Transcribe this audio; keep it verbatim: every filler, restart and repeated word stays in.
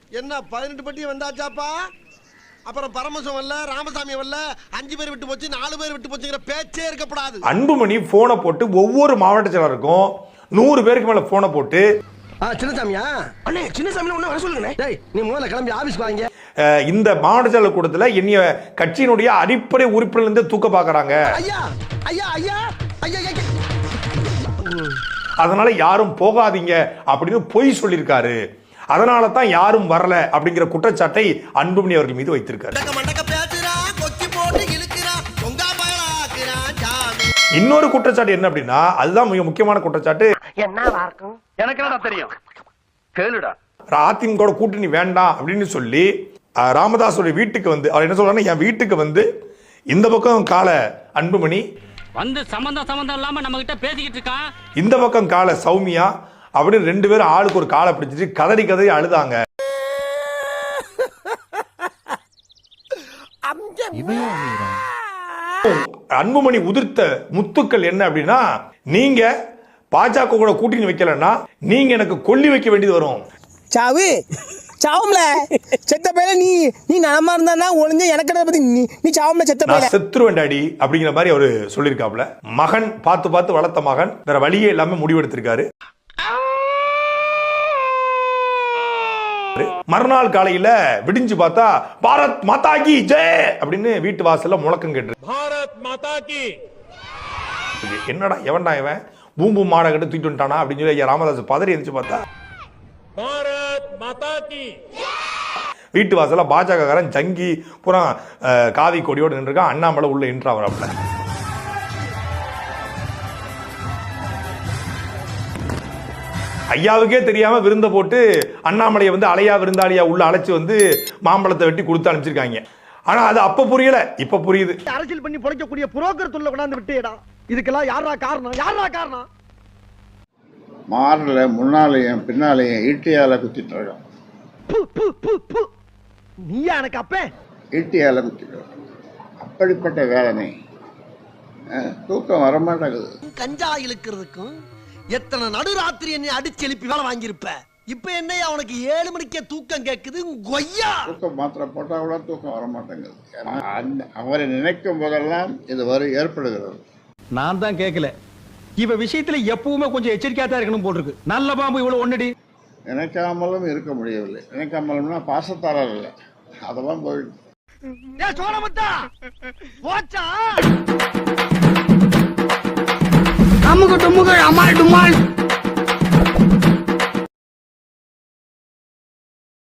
என்ன பதினெட்டு பட்டி வந்தாச்சாப்பா? அப்புறம் பரமசம் வரல, ராமசாமி வரல, அஞ்சு பேர் விட்டு போச்சு, நாலு பேர் விட்டு போச்சுங்கிற பேச்சே இருக்கப்படாது. அன்புமணி போனை போட்டு ஒவ்வொரு மாவட்ட செயலருக்கும் நூறு பேருக்கு மேல போனை போட்டு சின்னசாமியா அண்ணே சின்னசாமி ஒண்ணு வர சொல்லுங்க. டேய் நீ முதல்ல கிளம்பி ஆபீஸ்க்கு வாங்க. இந்த மாவட்ட செயலர் கூட்டத்தில் என்னைய கட்சியினுடைய அடிப்படை உறுப்பினர் இருந்து தூக்க பாக்குறாங்க. ஐயா ஐயா ஐயா ஐயா அதனால யாரும் போகாதீங்க அப்படின்னு பொய் சொல்லியிருக்காரு. அதனால தான் யாரும் வரல அப்படிங்கிற குற்றச்சாட்டை அன்புமணி அவர்கள் மீது வைத்திருக்காரு. இன்னொரு குற்றச்சாட்டு என்ன அப்படின்னா, அதுதான் மிக முக்கியமான குற்றச்சாட்டு. என்னவா இருக்கும் எனக்கு என்னடா தெரியும், கேளுடா. அதிமுக கூட்டணி வேண்டாம் அப்படின்னு சொல்லி ராமதாஸோட வீட்டுக்கு வந்து அவர் என்ன சொல்றாருன்னா, என் வீட்டுக்கு வந்து இந்த பக்கம் கால அன்புமணி வந்து சம்பந்தம் சம்பந்தம் இல்லாம நம்ம கிட்ட பேசிக்கிட்டு இருக்கான், இந்த பக்கம் கால சௌமியா அப்படின்னு ரெண்டு பேரும் ஆளுக்கு ஒரு காலை பிடிச்சிட்டு கதறி கதறி அழுதாங்க. அன்புமணி உதிர்த்த முத்துக்கள் என்ன அப்படின்னா, நீங்க பாஜக கூட கூட்டணி வைக்கலன்னா நீங்க எனக்கு கொல்லி வைக்க வேண்டியது வரும். சாவு சாவும்ல செத்த பையல நீ நீ நலமா இருந்தா ஒளிஞ்ச எனக்கு பத்தி நீ நீ சாவும்ல செத்த பையல செத்துருவேன் டாடி அப்படிங்கிற மாதிரி அவரு சொல்லியிருக்காப்ல. மகன் பார்த்து பார்த்து வளர்த்த மகன் வேற வழியே இல்லாம முடிவெடுத்திருக்காரு. மறுநாள் காலையில விடிஞ்சு பார்த்தா பாரத் மாதா கி ஜெய் அப்படின்னு வீட்டு வாசல்ல முழக்கம் கேட்டு, பாரத் மாதா கி. என்னடா எவன்டா இவன் பூம்பு மாடை கட்டு தூக்கிட்டு வந்துட்டானா அப்படின்னு சொல்லி ஐயா ராமதாஸ் பதறி எந்திரிச்சு பார்த்தா பாரத் மாதா கி. வீட்டு வாசல்ல பாஜக காரன் ஜங்கி புறா காவி கொடியோடு நின்றுருக்கான். அண்ணாமலை உள்ள என்ட்ரா வரப்பல. ஐயாவுக்கே தெரியாம விருந்த போட்டு அண்ணாமலையை வந்து அலையா விருந்தாளியா உள்ள அழைச்சு வந்து மாம்பழத்தை வெட்டி கொடுத்து அனுப்பிச்சிருக்காங்க. ஆனா அது அப்ப புரியல, இப்ப புரியுது. அரசியல் பண்ணி பொழைக்கக்கூடிய புரோக்கர் தொல்லை கொண்டாந்து விட்டேடா. இதுக்கெல்லாம் யாரா காரணம்? யாரா காரணம்? மாறல முன்னாலேயும் பின்னாலேயும் ஈட்டியால குத்திட்டு இருக்கான். நீயா எனக்கு அப்ப ஈட்டியால குத்திட்டு அப்படிப்பட்ட வேதனை. தூக்கம் வரமாட்டேங்குது. கஞ்சா இழுக்கிறதுக்கும் எத்தனை நடுராத்திரி என்னை அடிச்சு எழுப்பி வேலை வாங்கியிருப்ப. இப்ப என்ன அவனுக்கு ஏழு மணிக்கே தூக்கம் கேட்குது. கொய்யா தூக்கம் மாத்திரை போட்டா கூட தூக்கம் வரமாட்டேங்குது. அவரை நினைக்கும் போதெல்லாம் இது வரும் ஏற்படுகிறது. நான் தான் கேட்கல, இவ விஷயத்துல எப்பவுமே கொஞ்சம் எச்சரிக்கையா தான் இருக்கணும் போல் இருக்கு. நல்ல பாம்பு இவ்வளவு ஒன்னடி நினைக்காமலும் இருக்க முடியவில்லை. நினைக்காமலும்னா பாசத்தாரர் இல்லை, அதெல்லாம் போயிடுச்சு. அமுக டுமுக அமால் டுமால்